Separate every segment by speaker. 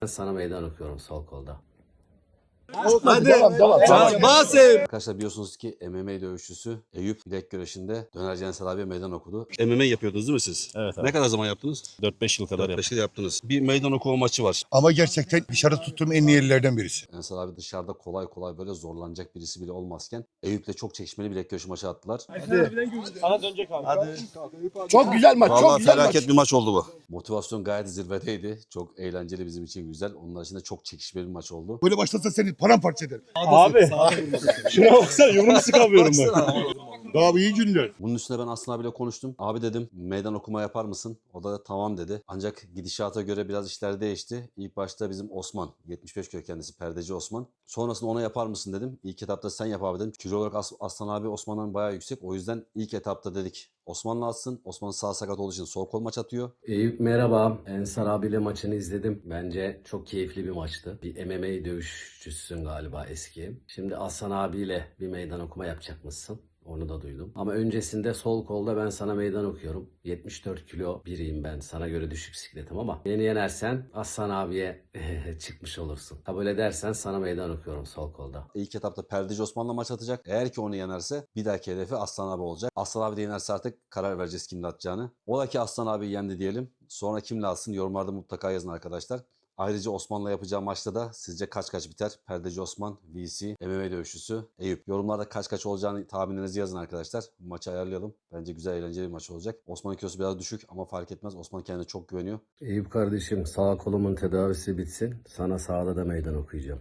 Speaker 1: Ben sana meydan okuyorum sol kolda.
Speaker 2: Hadi.
Speaker 3: Devam.
Speaker 2: Basım.
Speaker 3: Arkadaşlar biliyorsunuz ki MMA dövüşçüsü Eyüp bilek güreşinde Döner Cansel abiye meydan okudu.
Speaker 4: MMA yapıyordunuz değil mi siz?
Speaker 5: Evet abi.
Speaker 4: Ne kadar zaman yaptınız?
Speaker 5: 4-5 yıl kadar
Speaker 4: 4-5 yıl yaptınız. Bir meydan okuma maçı var.
Speaker 2: Ama gerçekten dışarı tuttuğum en iyi yerlerden birisi.
Speaker 3: Cansel abi dışarıda kolay kolay böyle zorlanacak birisi bile olmazken Eyüp'le çok çekişmeli bilek güreşi maçı attılar.
Speaker 5: Sana dönecek abi.
Speaker 4: Hadi.
Speaker 2: Çok güzel maç, çok
Speaker 4: Vallahi
Speaker 2: güzel
Speaker 4: felaket
Speaker 2: maç.
Speaker 4: bir maç oldu bu.
Speaker 3: Motivasyon gayet zirvedeydi. Çok eğlenceli bizim için güzel. Onlar için de çok çekişmeli bir maç oldu.
Speaker 2: Böyle başlasa seni paramparça ederim.
Speaker 5: Abi. Şuna baksana yumruğumu sıkamıyorum ben.
Speaker 2: Daha iyi günler.
Speaker 3: Bunun üstüne ben Aslan abiyle konuştum. Abi dedim meydan okuma yapar mısın? O da tamam dedi. Ancak gidişata göre biraz işler değişti. İlk başta bizim Osman, 75 kilo kendisi perdeci Osman. Sonrasında ona yapar mısın dedim. İlk etapta sen yap abi dedim. Kilo olarak Aslan abi Osman'dan bayağı yüksek. O yüzden ilk etapta dedik Osman'la atsın. Osman sağ sakat olduğu için sol kol maç atıyor.
Speaker 1: Eyüp merhaba. Ensar abiyle maçını izledim. Bence çok keyifli bir maçtı. Bir MMA dövüşçüsün galiba eski. Şimdi Aslan abiyle bir meydan okuma yapacak mısın? Onu da duydum. Ama öncesinde sol kolda ben sana meydan okuyorum. 74 kilo biriyim ben. Sana göre düşük sikletim ama beni yenersen Aslan abiye çıkmış olursun. Kabul edersen sana meydan okuyorum sol kolda.
Speaker 3: İlk etapta perdeci Osman'la maç atacak. Eğer ki onu yenerse bir dahaki hedefi Aslan abi olacak. Aslan abi de yenerse artık karar vereceğiz kimle atacağını. Ola ki Aslan abi yendi diyelim. Sonra kimle atsın yorumlarda mutlaka yazın arkadaşlar. Ayrıca Osman'la yapacağı maçta da sizce kaç biter? Perdeci Osman, VC, MMA dövüşçüsü Eyüp. Yorumlarda kaç olacağını tahminlerinizi yazın arkadaşlar. Maçı ayarlayalım. Bence güzel eğlenceli bir maç olacak. Osman'ın kilosu biraz düşük ama fark etmez. Osman kendine çok güveniyor.
Speaker 1: Eyüp kardeşim sağ kolumun tedavisi bitsin. Sana sağda da meydan okuyacağım.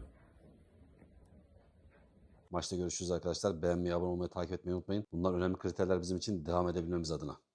Speaker 3: Maçta görüşürüz arkadaşlar. Beğenmeyi, abone olmayı, takip etmeyi unutmayın. Bunlar önemli kriterler bizim için devam edebilmemiz adına.